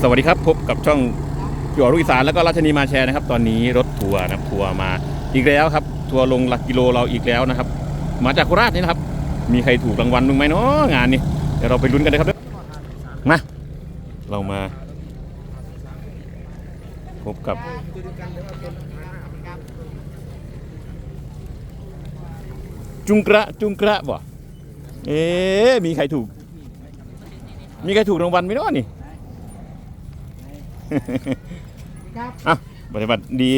สวัสดีครับพบกับช่องจั่วลูกอีสานแล้วก็ราชนีมาแชร์นะครับตอนนี้รถทัวร์นะครับทัวร์มาอีกแล้วครับทัวร์ลงหลักกิโลเราอีกแล้วนะครับมาจากโคราชนี่นะครับมีใครถูกรางวัลบ้างไหมเนาะงานนี้เดี๋ยวเราไปลุ้นกันนะครับมาเรามาพบกับจุงกระบ่มีใครถูกรางวัลไหมเนาะนี่อ่ะปฏิบัติดี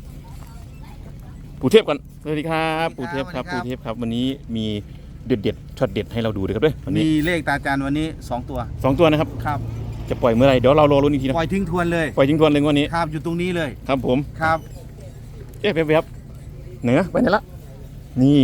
ปู่เทพก่อนสวัสดีครับปู่เทพครับวันนี้มีเด็ดช็อตเด็ดให้เราดูด้วยครับด้วยมีเลขตาจานวันนี้2 ตัวนะครับครับจะปล่อยเมื่อไรเดี๋ยวเรารอลุ้นอีกทีนะปล่อยทิ้งทวนเลยวันนี้ครับอยู่ตรงนี้เลยครับผมครับเไปครับเหนือไปไหนละนี่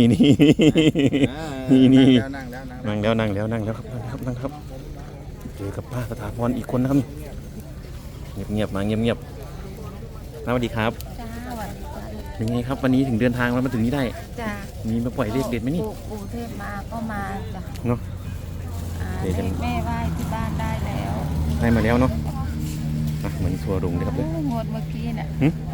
นั่งแล้วครับเจอกับป้าสถาพรอีกคนนะครับเงียบสวัสดีครับจ้าสวัสดีจ้าเป็นไงครับวันนี้ถึงเดินทางมาถึงนี้ได้จ้ามีมาปล่อยเลขเด็ดไหมนี่ปู่เทพมาก็มาจ้ะเนาะแม่ไหว้ที่บ้านได้แล้วได้มาแล้วเนาะเหมือนทัวร์ลงเลยครับเลยงวดเมื่อกี้เนี่ย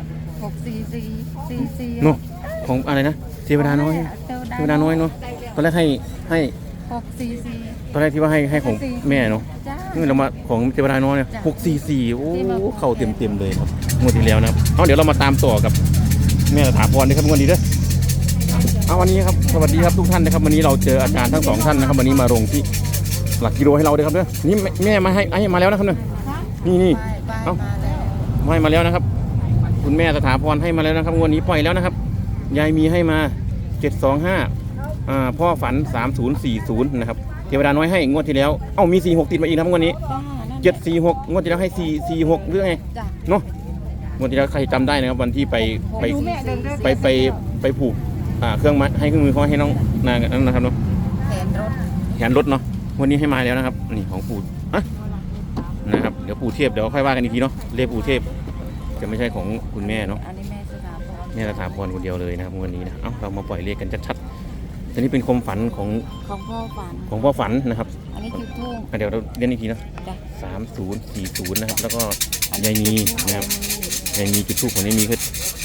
64444 เนาะของอะไรนะเทวดาน้อยเนาะตอนแรกให้ 644 ตอนแรกที่ว่าให้ของแม่เนาะนี่เรามาของเทวดาน้อยเนี่ย644โอ้เข้าเต็มเลยครับงวดที่แล้วนะครับเดี๋ยวเรามาตามต่อกับแม่สถาพรนะครับงวดนี้ด้วยวันนี้ครับสวัสดีครับทุกท่านนะครับวันนี้เราเจออาจารย์ทั้ง2ท่านนะครับวันนี้มาลงที่หลักกิโลให้เราด้วยครับด้วยนี่แม่มาให้มาแล้วนะครับเนี่ยนี่ให้มาแล้วนะครับคุณแม่สถาพรให้มาแล้วนะครับงวดนี้ปล่อยแล้วนะครับยายมีให้มา725พ่อฝัน3040นะครับเทวดาน้อยให้งวดที่แล้วมี46ติดมาอีกนะครับงวดนี้746งวดที่แล้วให้446หรือไงเนาะงวดที่แล้วใครจำได้นะครับวันที่ไปผูกเครื่องมัดให้เครื่องมือเขาให้น้องนางนั่นนะครับเนาะแขนรถเนาะวันนี้ให้มาแล้วนะครับนี่ของปู่นะครับเดี๋ยวปู่เทพเดี๋ยวค่อยว่ากันอีกทีเนาะเลขปู่เทพจะไม่ใช่ของคุณแม่เนาะอันนี้แม่สถาพรคนเดียวเลยนะครับวันนี้นะเรามาปล่อยเลขกันชัดๆอันนี้เป็นความฝันของพ่อฝันนะครับอันนี้จุดทูบเดี๋ยวเราเรียนอีกทีนะ3040นะครับแล้วก็ยายมีนะครับยายมีจุดทูบของยายมีคือ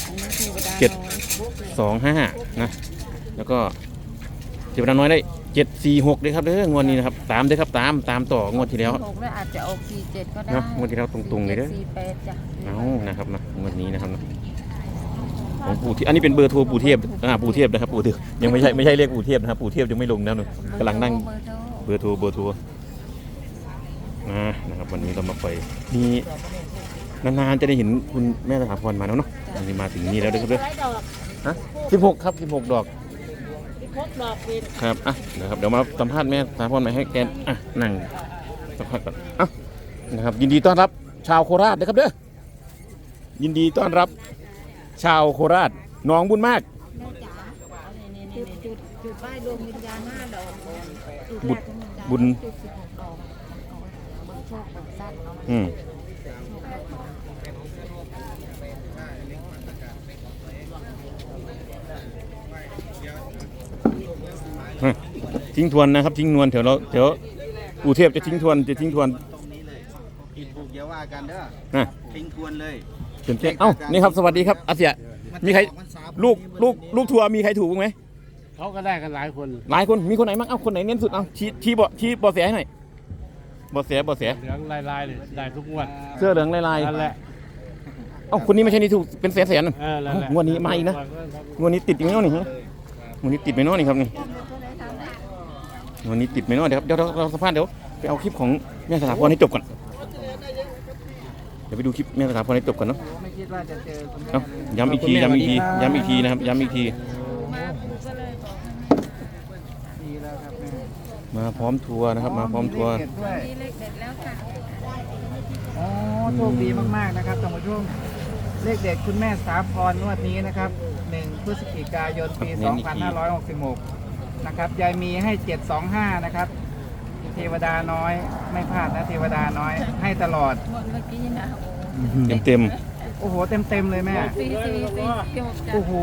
725นะแล้วก็เทวดาน้อยได้746เลยครับเด้องวดนี้นะครับตามด้วยครับตามต่องวดที่แล้วอาจจะออก47ก็ได้งวดที่แล้วตรงๆเลยเด้อ 48จ้ะนะครับนะงวดนี้นะครับของปู่ที่อันนี้เป็นเบอร์โทรปู่เทพปู่เทพนะครับปู่เทพยังไม่ใช่เรียกปู่เทพนะครับปู่เทพยังไม่ลงนะหนูกำลังนั่งเบอร์โทรนะครับวันนี้เรามาปล่อยมีนานๆจะได้เห็นคุณแม่สถาพรมาแล้วเนาะวันนี้มาถึงนี่แล้วด้วยครับเด้อ16ครับ16 ดอกครับนะครับเดี๋ยวมาสัมภาษณ์แม่สถาพรมาให้แกนั่งสักพักก่อนนะครับยินดีต้อนรับชาวโคราชนะครับเด้อยินดีต้อนรับชาวโคราชน้องบุญมากจุดป้ายดวงวิญญาณ5 ดอกบุญทิ้งทวนนะครับทิ้งนวลเดี๋ยวปู่เทพจะทิ้งทวนผิดถูกเยาว่ากันเด้อทิ้งทวนเลยนี่ครับสวัสดีครับอาเซียมีใครลูกทัวร์มีใครถูกบ้างไหมเขาก็ได้กันหลายคนมีคนไหนบ้างคนไหนเน้นสุดชี้บอเสียให้หน่อยบอเสียเหลืองลายได้ทุกงวดเสื้อเหลืองลายนั่นแหละคนนี้ไม่ใช่นี่ถูกเป็นแสนงวดนี้มาอีกนะงวดนี้ติดอีกไหมเนาะนี่งวดนี้ติดไหมเนาะนี่ครับนี่วันนี้ติดไหมเนาะเดี๋ยวเราสัมภาษณ์เดี๋ยวไปเอาคลิปของแม่สถาพรให้จบก่อนเดี๋ยวไปดูคลิปแม่สถาพรให้จบก่อนเนาะย้ำอีกทีนะครับย้ำอีกทีมาพร้อมทัวร์นะครับมาพร้อมทัวร์เลขเด็ดแล้วค่ะโชคดีมากๆนะครับท่านผู้ชมเลขเด็ดคุณแม่สถาพรงวดนี้นะครับ1 พฤศจิกายนปี 2566นะครับยายมีให้725นะครับเทวดาน้อยไม่พลาดนะเทวดาน้อยให้ตลอดเมื่อกี้นะเต็มโอ้โหเต็มเลยแม่โอ้โห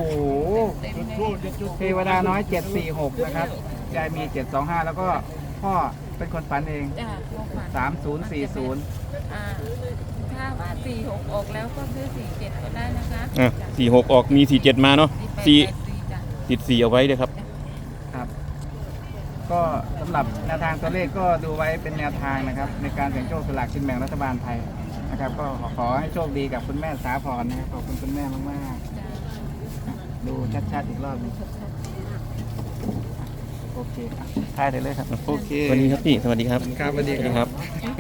เทวดาน้อย746นะครับยายมี725แล้วก็พ่อเป็นคนฝันเองจ้ะโทรฝัน 3040 ถ้าว่า46ออกแล้วก็ซื้อ47ก็ได้นะคะ 46ออกมี47มาเนาะสี่ 4 จ้ะติด4เอาไว้ด้วยครับครับ ก็สำหรับแนวทางตัวเลขก็ดูไว้เป็นแนวทางนะครับ ในการเสี่ยงโชคสลากกินแบ่งรัฐบาลไทยนะครับ ก็ขอให้โชคดีกับคุณแม่สาพรนะครับขอบคุณคุณแม่มากจ้ะๆดูชัดๆอีกรอบหนึงโอเคครับถ่ายได้เลยครับโอเคสวัสดีครับพี่สวัสดีครับครับสวัสดีสวัสดีคครับ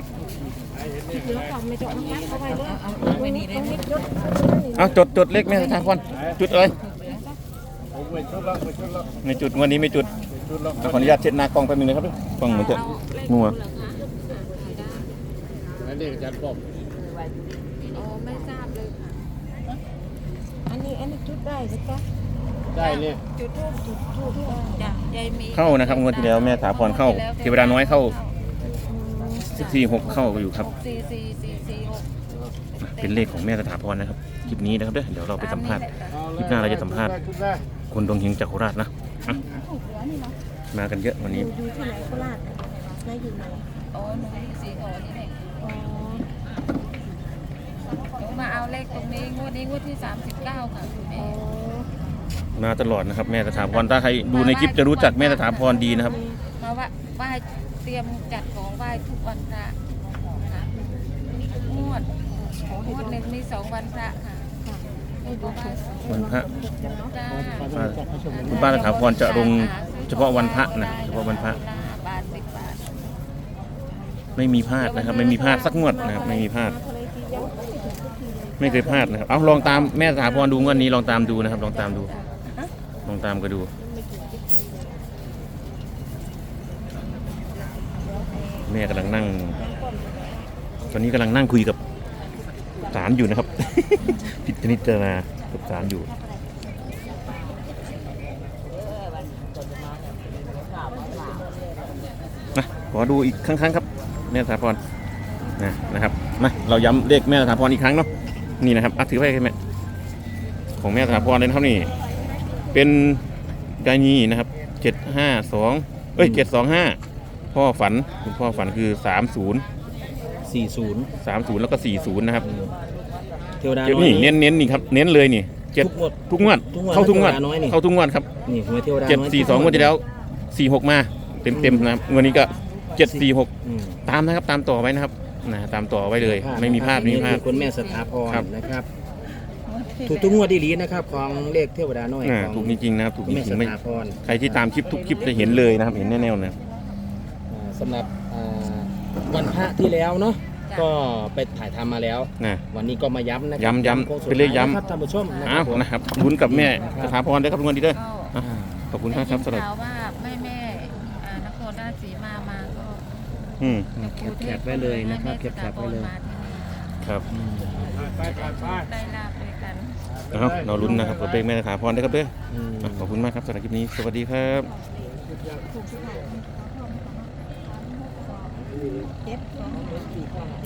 รับไม่นี่ได้ไหมเอาจดเลขแม่ทางก่อนจุดเอ้ยผมไปชุดละไปชุดละไม่จุดวันนี้ไม่จุดชุดละขออนุญาตเช็ดหน้ากล้องแป๊บนึงนะครับกล้องเหมือนจะมัวนั่นเองอาจารย์ป้อมอ๋อไม่ทราบเลยค่ะอันนี้จุดได้ไหมจ๊ะได้เนี่ยจุดทูบจ้ะยายมีเข้านะครับงวดที่แล้วแม่ถาพรเข้าเทวดาน้อยเข้า46เข้าอยู่ครับ 64446 เป็นเลขของแม่สถาพรนะครับคลิปนี้นะครับเดี๋ยวเราไปสัมภาษณ์ คลิปหน้าเราจะสัมภาษณ์ชุดได้คนดวงเฮงจากโคราชนะอ่ะมากันเยอะวันนี้อยู่ที่ไหนโคราชนายอยู่ไหนอ๋อหนูอยู่สีขอนี่แหละอ๋อหนูมาเอาเลขตรงนี้งวดนี้งวดที่39ค่ะคุณแม่มาตลอดนะครับแม่สถาพรถ้าใครดูในคลิปจะรู้จักแม่สถาพรดีนะครับมาไหว้เตรียมจัดของไหว้ทุกวันพระค่ะงวดหนึ่งมี2วันพระค่ะให้ดูว่าวันพระจ้าคุณป้าสถาพรจะลงเฉพาะวันพระนะเฉพาะวันพระบาท10 บาทไม่มีพลาดนะครับ ไม่มีพลาดสักงวดนะครับไม่มีพลาด ไม่เคยพลาดนะครับเอาลองตามแม่สถาพรดูงวดนี้ลองตามดูนะครับ ลองตามดูลองตามก็ดู แม่กำลังนั่ง ตอนนี้กำลังนั่งคุยกับศาลอยู่นะครับ พิจารณากับศาลอยู่นะขอดูอีกครั้งครับแม่สถาพรนะครับมาเราย้ำเลขแม่สถาพรอีกครั้งเนาะนี่นะครับถือไว้ให้แม่ของแม่สถาพรเลยนะครับนี่เป็นกายีนะครับ752725พ่อฝันคุณพ่อฝันคือ30แล้วก็40นะครับเทวดาเดี๋ยวน้อยนี่เน้นนี่ครับเน้นเลยนี่ทุกงวดเข้าทุกงวดเทวดาน้อยนี่เข้าทุกงวดครับนี่หวยเทวดาน้อย 742งวดที่แล้ว46มาเต็มนะครับงวดนี้ก็746 อืมตามนะครับตามต่อไว้นะครับตามต่อไว้เลย ไม่มีพลาดไม่มีพลาดนี่คือคุณแม่สถาพรครับนะครับ ถูกทุกงวดดีๆนะครับ ของเลขเทวดาน้อยของถูกจริงๆนะครับถูกคุณจแม่ริสงๆไม่ถาพรใครที่ตามคลิปทุกคลิปจะเห็นเลยนะครับเห็นแน่ๆนะสำหรับวันพระที่แล้วเนาะก็ไปถ่ายทำมาแล้วนะวันนี้ก็มาย้ำนะครัย้ำโค้งสุดเป็นเลขย้ำท้านะครับท่านผู้ชมนะคอ้ารัวบผมนะครับลุ้นกับแม่นะครับสถาพรด้วยครับทุกคนดีด้วยก็อ่ะขอบคุณมากครับสำหรับข่าวว่าแม่นครราชสีมาก็อืมแคปไว้เลยนะครับแคปไว้เลยมาที่นี่ครับไปได้ลาบด้วยกันเราลุ้นนะครับกับเลขแม่สถาพรด้วยครับด้วยอืมขอบคุณมากครับสำหรับคลิปนี้สวัสดีครับเจ็ด